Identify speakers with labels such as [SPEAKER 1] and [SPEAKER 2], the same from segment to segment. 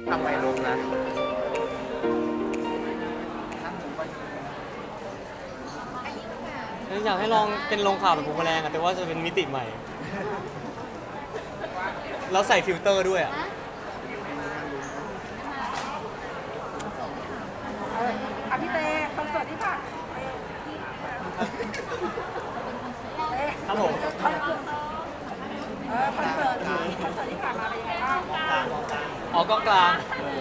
[SPEAKER 1] ทำไมลงนะ
[SPEAKER 2] อยากให้ลองเป็นลงข่าวแบบบูมแมลงอะแต่ว่าจะเป็นมิติใหม่แล้วใส่ฟิลเตอร์ด้วยอะ
[SPEAKER 3] พี่เต้คอนเสิร์ตที่ผ่าน
[SPEAKER 2] ครับผม
[SPEAKER 3] คอนเสิร์ตที่ผ่านมาเป็นยังไงบ้าง
[SPEAKER 2] ออกกล้องกลาง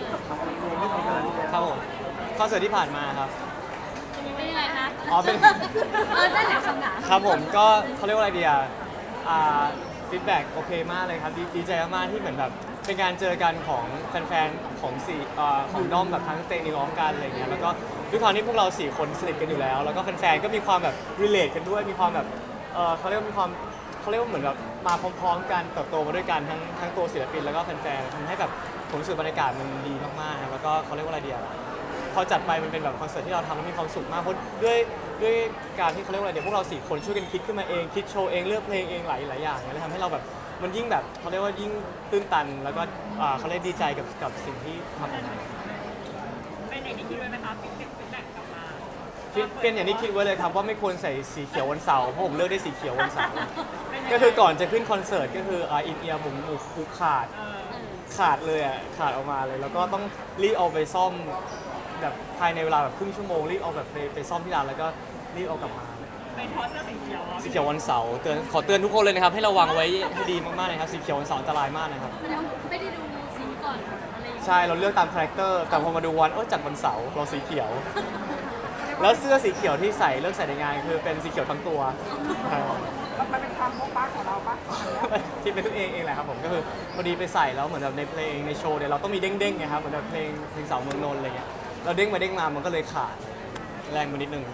[SPEAKER 2] ครับผมคอนเสิร์ตที่ผ่านมาครับ
[SPEAKER 4] เป็นยังไงคะ
[SPEAKER 2] อ๋อเป็น
[SPEAKER 4] ได้แหละคำถาม
[SPEAKER 2] ครับผมก็เขาเรียกว่าอะไรดีฟีดแบ็กโอเคมากเลยครับดีใจมากๆที่เหมือนแบบเป็นการเจอกันของแฟนๆของของด้อมแบบทั้งเตนิวออฟกันอะไรเงี้ยแล้วก็ด้วยความที่พวกเรา4คนสนิทกันอยู่แล้วแล้วก็แฟนๆก็มีความแบบรีเลทกันด้วยมีความแบบเขาเรียกว่ามีความเขาเรียกว่าเหมือนแบบมาพร้อมๆกันเติบโตมาด้วยกันทั้งตัวศิลปินแล้วก็แฟนๆทำให้แบบผมรู้สึกบรรยากาศมันดีมากๆครับแล้วก็เขาเรียกว่าอะไรดีพอจัดไปมันเป็นแบบคอนเสิร์ตที่เราทำแล้วมีความสุขมากเพราะด้วยการที่เขาเรียกว่าอะไรเดี๋ยวพวกเรา4คนช่วยกันคิดขึ้นมาเองคิดโชว์เองเลือกเพลงเองหลายอย่างเลยทำให้เราแบบมันยิ่งแบบเขาเรียกว่ายิ่งตื้นตันแล้วก็เขาเรียกดีใจกับสิ่งที่ทำออกมา
[SPEAKER 3] เป็นอย่างที่คิดไว้ไหมคะฟีดแบ็กกลับมา
[SPEAKER 2] เป็นอย่างที่คิดไว้เลยครับว่าไม่ควรใส่สีเขียววันเสาร์เพราะผมเลือกได้สีเขียววันเสาร์ก็คือก่อนจะขึ้นคอนเสิร์ตก็คืออินเอียร์ผมหูขาดเลยอ่ะขาดออกมาเลยแล้วก็ต้องรีบเอาไปซ่อมแบบภายในเวลาแบบครึ่งชั่วโมงรีบเอาแบบไปซ่อมที่ร้านแล้วก็รีบเอากลับมา
[SPEAKER 3] เป็นเพราะเสื้อสีเขียว
[SPEAKER 2] สีเขียววันเสาร์ขอเตือนทุกคนเลยนะครับให้ระวังไว้ให้ดีมากๆนะครับสีเขียววันเสาร์อันตรายมากนะครับ
[SPEAKER 4] แสดงว่าไม่ได้ดูซีรีส์ก่อนอะไรอย่างเงี้ย
[SPEAKER 2] ใช่เราเลือกตามคาแรคเตอร์แต่พอมาดูวันจัดวันเสาร์เราสีเขียว แล้วเสื้อสีเขียวที่ใส่เลือกใส่ในงานคือเป็นสีเขียวทั้งตัว
[SPEAKER 3] มันเป็นความโบ๊ะบ้าของเราปะ
[SPEAKER 2] ที่เป็นตัวเองแหละครับผมก็คือพอดีไปใส่แล้วเหมือนแบบในเพลงในโชว์เนี่ยเราต้องมีเด้งๆไงครับเหมือนแบบเพลงสาวเมืองนนท์อะไรเงี้ยเราเด้งมาเด้งมามันก็เลยขาดแรงมานิดนึง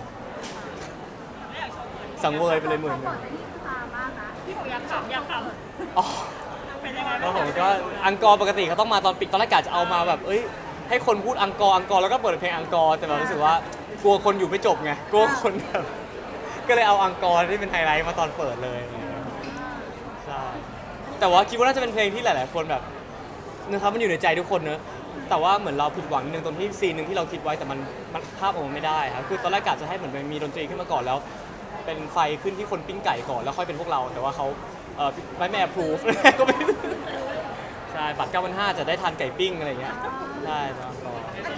[SPEAKER 2] สังเวยไปเลยหมื่นหนึง
[SPEAKER 3] พี่หนูอยากขำ
[SPEAKER 2] อ๋อ
[SPEAKER 3] เป็นยังไง
[SPEAKER 2] แล้ว
[SPEAKER 3] บ้าง
[SPEAKER 2] ผมก็อังกอร์ปกติเขาต้องมาตอนปิดตอนแรกกะจะเอามาแบบให้คนพูดอังกอร์แล้วก็เปิดเพลงอังกอร์แต่แบบรู้สึกว่ากลัวคนอยู่ไม่จบไงกลัวคนแบบก็เลยเอาอังกอร์ที่เป็นไฮไลท์มาตอนเปิดเลยใช่แต่ว่าคิดว่าน่าจะเป็นเพลงที่หลายๆคนแบบนะครับมันอยู่ในใจทุกคนเนอะแต่ว่าเหมือนเราผิดหวังนิดนึงตรงที่ซีนหนึ่งที่เราคิดไว้แต่มันภาพออกมาไม่ได้ครับคือตอนแรกกะจะให้เหมือนมีดนตรีขึ้นมาก่อนแล้วเป็นไฟขึ้นที่คนปิ้งไก่ก่อนแล้วค่อยเป็นพวกเราแต่ว่าเขาไม่แอปพรูฟก็ไม่ใช่บัตร9,500จะได้ทานไก่ปิ้งอะไรอย่างเงี้ยใช่แล้วก็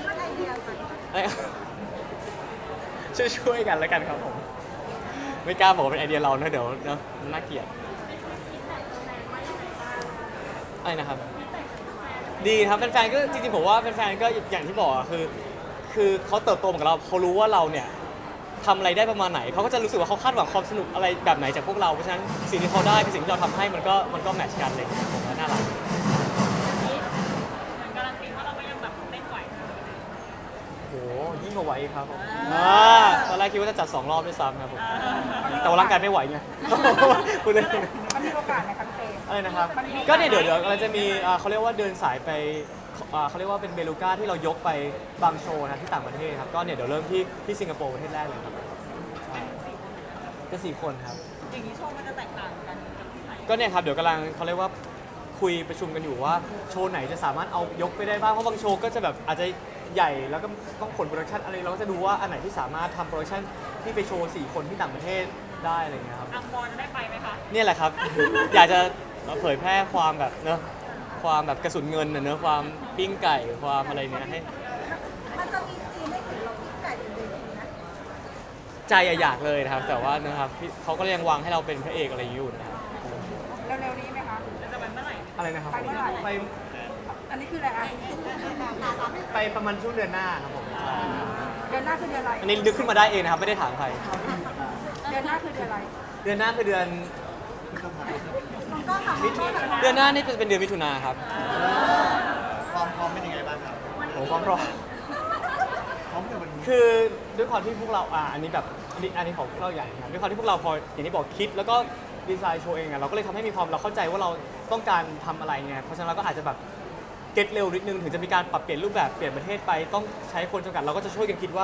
[SPEAKER 2] ช่วยกันแล้วกันครับผมไม่กล้าบอกว่าเป็นไอเดียเรานะเดี๋ยวเนอะน่าเกลียดอะไรนะครับดีครับแฟนๆก็จริงๆผมว่าแฟนๆก็อย่างที่บอกอะคือเขาเติบโตเหมือนกับเราเขารู้ว่าเราเนี่ยทำอะไรได้ประมาณไหนเขาก็จะรู้สึกว่าเขาคาดหวังความสนุกอะไรแบบไหนจากพวกเราเพราะฉะนั้นสิ่งที่เขาได้กับสิ่งที่เราทำให้มันก็แมทช์กันเลยผมว่าน่ารัก
[SPEAKER 3] การันตีว่าเราก็ยังแบบเต้นไหว
[SPEAKER 2] โหยิ่งกว่าไหวอีกครับผมตอนแรกคิดว่าจะจัด2 รอบด้วยซ้ำครับผมแต่ว่าร่างกายไม่ไหวไงพูดเลย
[SPEAKER 3] มันมีโอกาสไหมครับเต้
[SPEAKER 2] อะไรนะครับก็เนี่ยเดี๋ยวเราจะมีเขาเรียกว่าเดินสายไปเขาเรียกว่าเป็นเบลูก้าที่เรายกไปบางโชว์นะที่ต่างประเทศครับก็เนี่ยเดี๋ยวเริ่มที่สิงคโปร์ประเทศแรกเลยครับก็4 คนครับ
[SPEAKER 3] อย่างนี้โชว์มันจะแตกต่างกันกับที่ไหน
[SPEAKER 2] ก็เนี่ยครับเดี๋ยวกำลังเขาเรียกว่าคุยประชุมกันอยู่ว่าโชว์ไหนจะสามารถเอายกไปได้บ้างเพราะบางโชว์ก็จะแบบอาจจะใหญ่แล้วก็ต้องขนโปรดักชันอะไรเราก็จะดูว่าอันไหนที่สามารถทำโปรดักชันที่ไปโชว์4 คนที่ต่างประเทศได้อะไรเงี้ยครับ
[SPEAKER 3] อังกอร์จะได้ไปไหมคะ
[SPEAKER 2] เนี่ยแหละครับ อยากจะเผยแพร่ความแบบเนอะความแบบกระสุนเงินเนอะความปิ้งไก่ความอะไรเนี้ยให้
[SPEAKER 3] มันจะมีซีนให้เห็นเราพิกไก่อยู่เลยนะ
[SPEAKER 2] ใจอยากเลยนะครับ แต่ว่านะครับเขาก็ยังวางให้เราเป็นพระเอกอะไรอยู่นะครับ
[SPEAKER 3] เร็วๆนี้ไหมคะจะไปเมื่อไหร่
[SPEAKER 2] อะไรนะครับ
[SPEAKER 3] ไปเมื่อไหร่
[SPEAKER 2] ไป
[SPEAKER 3] อันนี้คืออะไรอ่ะ
[SPEAKER 2] ไปประมาณช่วงเดือนหน้าครับผมใช่
[SPEAKER 3] เดือนหน้าคือเดือนอะไร
[SPEAKER 2] อันนี้นึกขึ้นมาได้เองนะครับไม่ได้ถามใคร
[SPEAKER 3] เดือนหน้าคือเดือนอะไร
[SPEAKER 2] เดือนหน้าคือเดือนเดือนหน้านี่จะเป็นเดือนมิถุนาครับ
[SPEAKER 1] ความพร้อมเป็นยังไงบ้างครับ
[SPEAKER 2] โอ้ความพร้อม
[SPEAKER 1] พร้อมในวันนี้
[SPEAKER 2] คือด้วยความที่พวกเราอันนี้แบบอันนี้ของพวกเราใหญ่นะครับด้วยความที่พวกเราพออย่างที่บอกคิดแล้วก็ดีไซน์โชว์เองอะเราก็เลยทำให้มีความเราเข้าใจว่าเราต้องการทำอะไรไงเพราะฉะนั้นเราก็อาจจะแบบเก็ตเร็วนิดนึงถึงจะมีการปรับเปลี่ยนรูปแบบเปลี่ยนประเทศไปต้องใช้คนจำกัดเราก็จะช่วยกันคิดว่า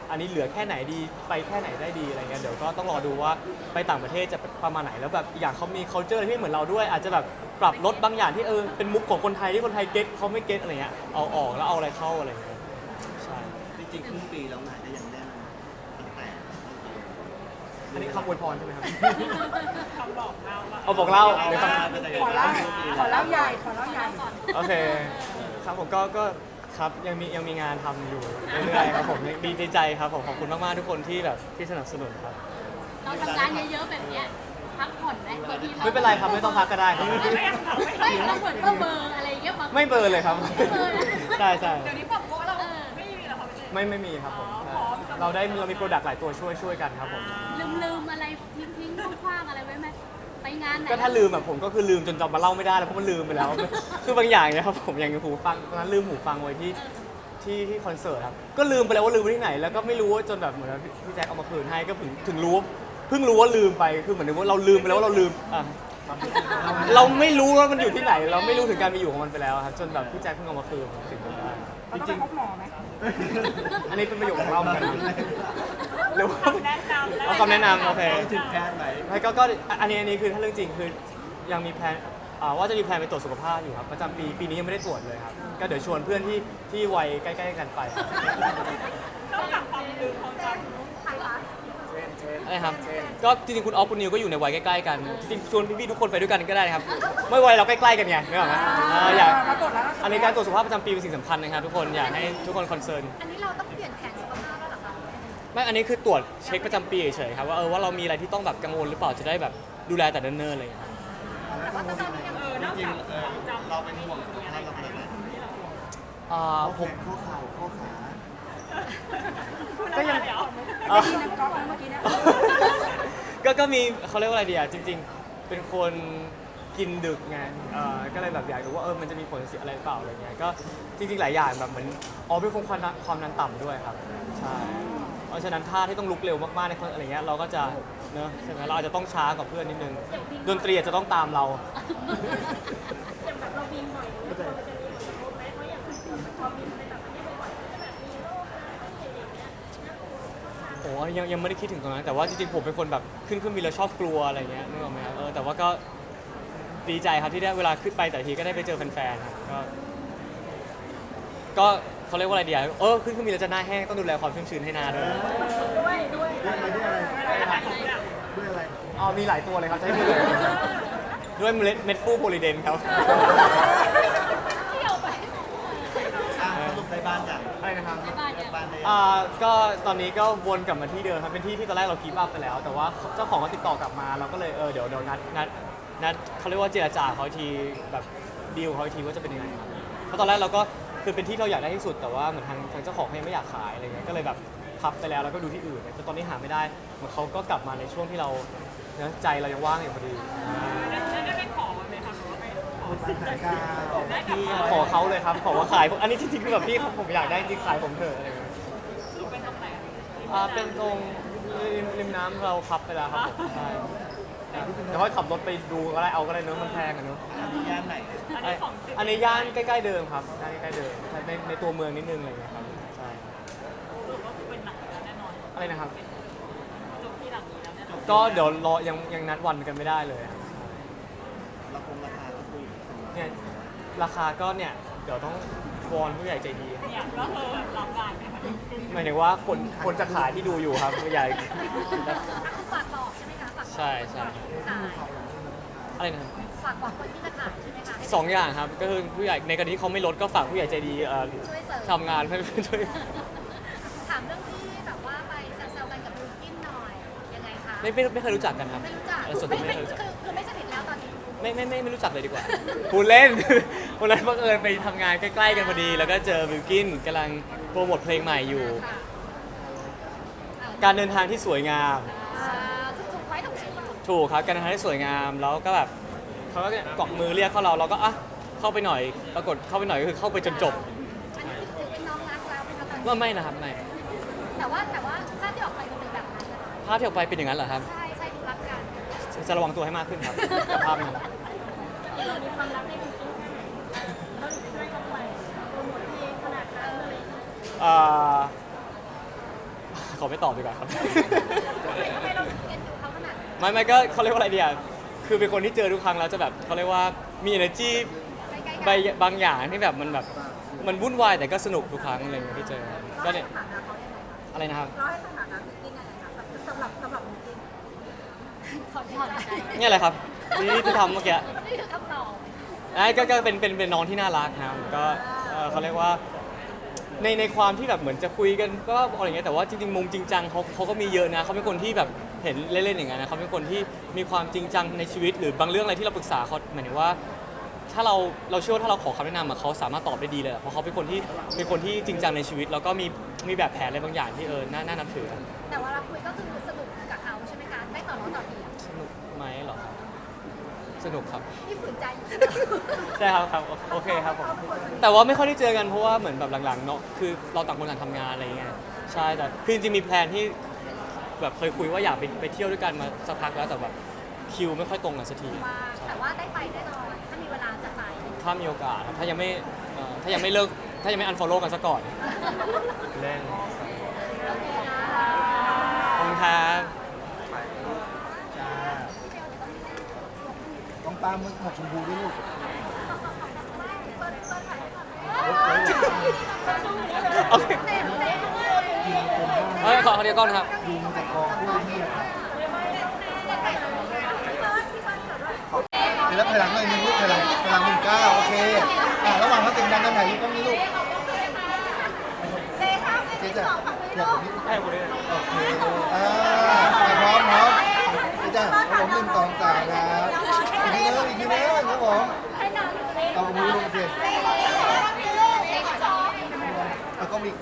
[SPEAKER 2] อันนี้เหลือแค่ไหนดีไปแค่ไหนได้ดีอะไรเงี้ยเดี๋ยวก็ต้องรอดูว่าไปต่างประเทศจะประมาณไหนแล้วแบบอีกอย่างเขามี culture ที่ไม่เหมือนเราด้วย อาจจะแบบปรับลดบางอย่างที่เป็นมุกของคนไทยที่คนไทยเก็ตเขาไม่เก็ตอะไรเงี้ยเอาออกแล้วเอาอะไรเข้าอะไรเงี้ยใช่
[SPEAKER 1] จริงๆครึ่งปีแล้วงานก็ยังแน่นตั้งแต่
[SPEAKER 2] อันนี้คำอวยพรใช่ไหมครับ
[SPEAKER 5] คำบอกเล่าว่า
[SPEAKER 2] เอาบอกเล่าหรือค
[SPEAKER 3] ขอเล่าใหญ่ขอเล่าใหญ่
[SPEAKER 2] ำโอเคครับผมก็ครับยังมีงานทำอยู่เรื่อยๆครับผมยังดีใจครับผมขอบคุณมากๆทุกคนที่แบบที่สนับสนุนครับ
[SPEAKER 4] เราทำงานเยอะๆแบบเนี้ยพักผ่อนไหมบางที
[SPEAKER 2] ไม่เป็นไรครับไม่ต้องพักก็ได้ครับ
[SPEAKER 4] ไม่เราเหมือนก็เบอร์อะไรอย่างเงี้ยบาง
[SPEAKER 2] ไม่เบลอเลยครับ
[SPEAKER 4] ไม่เบลอนะ
[SPEAKER 2] ใช่ใช่
[SPEAKER 5] เดี๋ยวนี้ปรับโกะเรา
[SPEAKER 4] เออ
[SPEAKER 5] ไม่มีแล้วค่ะพี่เจ
[SPEAKER 2] ไม่มีครับผมใช่เรามีโปรดักต์หลายตัวช่วยกันครับผม
[SPEAKER 4] ลืมอะไรทิ้งคว้างๆอะไรไว้ไหมไปงานไหน
[SPEAKER 2] ก็ถ้าลืมแบบผมก็คือลืมจนจำมาเล่าไม่ได้แล้วเพราะมันลืมไปแล้ว คือบางอย่างเนี่ยครับผมอย่างหูฟังตอนนั้นลืมหูฟังไว้ที่คอนเสิร์ตครับก็ลืมไปแล้วว่าลืมไว้ที่ไหนแล้วก็ไม่รู้ว่าจนแบบเหมือนพี่แจ็คเอามาคืนให้ก็ถึงรู้เพิ่งรู้ว่าลืมไปคือเหมือนว่าเราลืมไปแล้วว่าเราลืมอ่ะเราไม่รู้ว่ามันอยู่ที่ไหน เราไม่รู้ถึงการมีอยู่ของมันไปแล้วครับจนแบบพี่แจ็คเพิ่งเอามาคืนถึงได้
[SPEAKER 3] เราต้องไปพบหมอไหม
[SPEAKER 2] อันนี้เป็นประโยคของเราเหมือนกันนะหรือว่า
[SPEAKER 5] แนะนำ
[SPEAKER 2] เอาคำแนะนำโอเค
[SPEAKER 1] ต้องถึงแพทย์ไหม
[SPEAKER 2] ไม่ก็อันนี้คือถ้าเรื่องจริงคือยังมีแพลนว่าจะมีแพลนไปตรวจสุขภาพอยู่ครับประจำปีนี้ยังไม่ได้ตรวจเลยครับก็เดี๋ยวชวนเพื่อนที่วัยใกล้ๆกันไป
[SPEAKER 5] นอกจากความลืมของการ
[SPEAKER 2] อะไรครับก็จริงๆคุณออฟคุณนิวก็อยู่ในวัยใกล้ๆกันจริงๆชวนพี่ๆทุกคนไปด้วยกันก็ได้นะครับไม่วัยเราใกล้ๆกันไงนึกออกไหมอยาก
[SPEAKER 3] เราตรวจแล้ว
[SPEAKER 2] อันนี้การตรวจสุขภาพประจำปีเป็นสิ่งสำคัญนะครับทุกคนอยากให้ทุกคนคอนเซิร์น
[SPEAKER 3] อันนี้เราต้องเปลี่ยนแผนสุขภาพแล้วเหรอคะ
[SPEAKER 2] ไม่อันนี้คือตรวจเช็คประจำปีเฉยๆครับว่าเรามีอะไรที่ต้องแบบกังวลหรือเปล่าจะได้แบบดูแลแต่เนิ่นๆอะไรอย่างเงี้ยครับ
[SPEAKER 1] จริงๆเราเป็นห่วงสุขภาพเราขนาดไหน
[SPEAKER 2] ผม
[SPEAKER 1] ข้อเข่าข้อขา
[SPEAKER 2] ก็ยัง
[SPEAKER 5] เดี๋ยว
[SPEAKER 3] ที่นักกอล์ฟเมื่อกี้เนี่ย
[SPEAKER 2] ก็มีเขาเรียกว่าอะไรดีอ่ะจริง ๆ เป็นคนกินดึกไงก็เลยแบบอยากรู้ว่ามันจะมีผลเสียอะไรหรือเปล่าอะไรเงี้ยก็จริงๆหลายอย่างแบบเหมือนเป็นความดันต่ำด้วยครับใช่เพราะฉะนั้นท่าที่ต้องลุกเร็วมากๆในคนอะไรเงี้ยเราก็จะเนอะใช่ไหมเราอาจจะต้องช้ากว่าเพื่อนนิดนึงดนตรีอาจจะต้องตามเรา โอ้ยังไม่ได้คิดถึงตรงนั้นแต่ว่าจริงๆผมเป็นคนแบบขึ้นเครื่องบินแล้วชอบกลัวอะไรเงี้ยนึกออกไหมครับแต่ว่าก็ดีใจครับที่ได้เวลาขึ้นไปแต่ทีก็ได้ไปเจอแฟนๆครับก็เขาเรียกว่าอะไรดีอ่ะขึ้นเครื่องบินแล้วจะหน้าแห้งต้องดูแลความชุ่มชื้นให้หน้าด้วย
[SPEAKER 1] ด้วยอะไร
[SPEAKER 2] มีหลายตัวเลยครับจะให้พูดเลยด้วยเม็ดฟูโพลีเดนครับ
[SPEAKER 1] สรุปได้บ้านอย่าง
[SPEAKER 2] อะไรนะครับ
[SPEAKER 1] บ้านได้
[SPEAKER 2] ก็ตอนนี้ก็วนกลับมาที่เดิมครับเป็นที่ตอนแรกเรากีบอัพไปแล้ว แต่ว่าเจ้าของก็ติดต่อกลับมาเราก็เลยเดี๋ยวนัดเขาเรียกว่าเจรจาเขาอีกทีแบบดีลเขาอีกทีว่าจะเป็นยังไงครับเพราะตอนแรกเราก็คือเป็นที่เราอยากได้ที่สุดแต่ว่าเหมือนทางเจ้าของเขายังไม่อยากขายอะไรเงี้ยก็เลยแบบพับไปแล้วก็ดูที่อื่นแต่ตอนนี้หาไม่ได้เหมือนเขาก็กลับมาในช่วงที่เราใจเรายังว่างอยู่พอดี
[SPEAKER 5] ได้ไปขอไหมคะหรือว่าไปขอ
[SPEAKER 1] บ้านไหนกัน
[SPEAKER 5] ได้กลับ
[SPEAKER 2] พี่
[SPEAKER 5] มา
[SPEAKER 2] ขอเขาเลยครับขอว่าขายอันนี้จริงๆคือแบบพี่ผมอยากได้จริงขายผมเถอะอะไรเงี้ย
[SPEAKER 5] เป็นตรงไหน
[SPEAKER 2] เป็นตรงริมน้ำเราขับไปแล้วครับผมใช่แต่ว่าขับรถไปดูก็ได้ก็ได้เนอะมันแพงอะเนอะ
[SPEAKER 1] ย่านไหน
[SPEAKER 5] อันนี้ของจริง
[SPEAKER 2] อันนี้ย่านใกล้ๆเดิมครับย่านใกล้ๆเดิมใช่ในตัวเมืองนิดนึงอะไรอย่างเงี้ยครับใช่
[SPEAKER 5] หรือว่าเป็นหนังแล้วแน่นอน
[SPEAKER 2] อะไรนะครับ
[SPEAKER 5] จบที่หลังนี้แล้วแน่นอน
[SPEAKER 2] ก็เดี๋ยวรอยังนัดวันกันไม่ได้เลยครับ
[SPEAKER 1] ราคาก็คุย
[SPEAKER 2] เนี่ยราคาก็เนี่ยเดี๋ยวต้องวอนผู้ใหญ่ใจดี
[SPEAKER 5] เนี่ยก็คือรับงานไหมคะ
[SPEAKER 2] หมายถึงว่าคนจะขายที่ดูอยู่ครับผู้ใหญ่
[SPEAKER 3] ฝากบอกใช่ไหมคะฝาก
[SPEAKER 2] ใช่
[SPEAKER 3] ขาย
[SPEAKER 2] อะไรนะครับ
[SPEAKER 3] ฝากบอกคนที่จะขายใช่ไหมคะ
[SPEAKER 2] สองอย่างครับก็คือผู้ใหญ่ในกรณีที่เขาไม่ลดก็ฝากผู้ใหญ่ใจดี
[SPEAKER 3] ช่วยเสริม
[SPEAKER 2] ทำงานให้ช่วย
[SPEAKER 3] ถามเรื่องที่แบบว่าไปแซวๆกันกับบิวกิ้นหน่อยยังไงคะ
[SPEAKER 2] ไม่เคยรู้จักกันครับ
[SPEAKER 3] ไม่รู้จัก
[SPEAKER 2] ส่วนตัวไม่เคยรู้จัก
[SPEAKER 3] คือไม่สนิทแล้วตอนนี้
[SPEAKER 2] ไม่รู้จักเลยดีกว่า พูดเล่น วันนั้นบังเอิญไปทำงานใกล้ๆกันพอดี แล้วก็เจอบิลกินกำลังโปรโมทเพลงใหม่อยู่
[SPEAKER 3] ค่ะ
[SPEAKER 2] การเดินทางที่สวยงาม
[SPEAKER 3] ถูกไว้ถูกชื่อถูก
[SPEAKER 2] ถูกครับการเดินทางที่สวยงามแล้วก็แบบเขาก็เกาะมือเรียกเข้าเราก็เข้าไปหน่อยปรากฏเข้าไปหน่อยก็คือเข้าไปจนจบ
[SPEAKER 3] อันนี้ถือเป็นน้องรักแล้วเป็นตอน
[SPEAKER 2] ว่าไม่นะครับไม่
[SPEAKER 3] แต่ว่าภาพที่ออกไปมันเป็นแบบนั้นนะคะ
[SPEAKER 2] ภาพที่ออกไปเป็นอย่างนั้นเหรอครับ
[SPEAKER 3] ใช่ใช่ดูรักกัน
[SPEAKER 2] จะระวังตัวให้มากขึ้นครับกับภาพนั้น
[SPEAKER 3] เรามีความรักในบิวกิ้นเราช่วยกันไปโปรโมทเพลงขนาดนั้นเลย
[SPEAKER 2] เอ่อขอไม่ตอบดีกว่าครับ
[SPEAKER 3] ทำไมเราถึงเอ็นดูเขาขนาดนั้น
[SPEAKER 2] ไม่ก็เขาเรียกว่าอะไรเดียคือเป็นคนที่เจอทุกครั้งแล้วจะแบบเขาเรียกว่ามี energy
[SPEAKER 3] ใกล้ๆกัน
[SPEAKER 2] บางอย่างที่แบบมันวุ่นวายแต่ก็สนุกทุกครั้งอะไรอย่างเงี้ยที่เจอก็เนี่ยอะไรนะครับ
[SPEAKER 3] เราให้สถานะบิวกิ้นยังไงคะสำหรับบิวกิ้นถอนใจ
[SPEAKER 2] เนี่ยแหละครับที่ทำเมื่อกี้
[SPEAKER 3] นี่คือคำตอบ
[SPEAKER 2] ก็เป็นน้องที่น่ารักนะครับก็เขาเรียกว่าในความที่แบบเหมือนจะคุยกันก็อะไรอย่างเงี้ยแต่ว่าจริงๆมุมจริงจังเขาก็มีเยอะนะเขาเป็นคนที่แบบเห็นเล่นๆอย่างเงี้ยนะเขาเป็นคนที่มีความจริงจังในชีวิตหรือบางเรื่องอะไรที่เราปรึกษาเขาหมายถึงว่าถ้าเราเชื่อว่าถ้าเราขอคำแนะนำอะเขาสามารถตอบได้ดีเลยอะเพราะเขาเป็นคนที่จริงจังในชีวิตแล้วก็มีแบบแผนอะไรบางอย่างที่น่านับถือ
[SPEAKER 3] แต่ว่าเราคุยก็คือสนุกกับเขาใช่ไหมคะได้ต่อน้องต่อเดียว
[SPEAKER 2] สนุกไหมเหรอครับสนุกครับ
[SPEAKER 3] ที่ฝืนใจอยู่
[SPEAKER 2] ใช่ครับโอเคครับผมแต่ว่าไม่ค่อยได้เจอกันเพราะว่าเหมือนแบบหลังๆเนาะคือเราต่างคนต่างทำงานอะไรอย่างเงี้ยใช่แต่คือจริงๆมีแพลนที่แบบเคยคุยว่าอยากไปเที่ยวด้วยกันมาสักพักแล้วแต่แบบคิวไม่ค่อยตรงกันสักที
[SPEAKER 3] ว่าแต่ว่าได้ไปแน่นอนถ้ามีเวลาจะไป
[SPEAKER 2] ถ้ามีโอกาสครับถ้ายังไม่เลิกถ้ายังไม่อันฟอลโล่กันซะก่อนเล่น
[SPEAKER 3] โอเคนะ
[SPEAKER 2] ขอบคุณครับ
[SPEAKER 1] ต้องตามมือหมวกชมพูด้วยลูก
[SPEAKER 2] โอเคขอเดียวก่อนครับ
[SPEAKER 1] ยุงจากกองกล้วยเนี่ยเดี๋ยวแล้วถอยหลังหน่อยนึงลูกถอยหลัง19โอเคระหว่างเขาเต็มดังกันถ่ายรูปต้องนี้ลูกเจ๊จ้ะอยากแบบนี้
[SPEAKER 2] ให้ผมด้วย
[SPEAKER 1] โอเคพร้อมเจ๊จ้ะผม1 2 3ครับอีกทีนึงครับผมเอามือลงสิเอาก็มี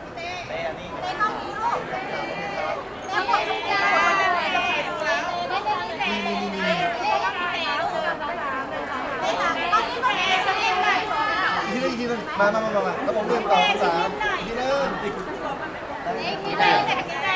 [SPEAKER 1] อีกทีนึงมาแล้วผม1 2 3อีกทีนึง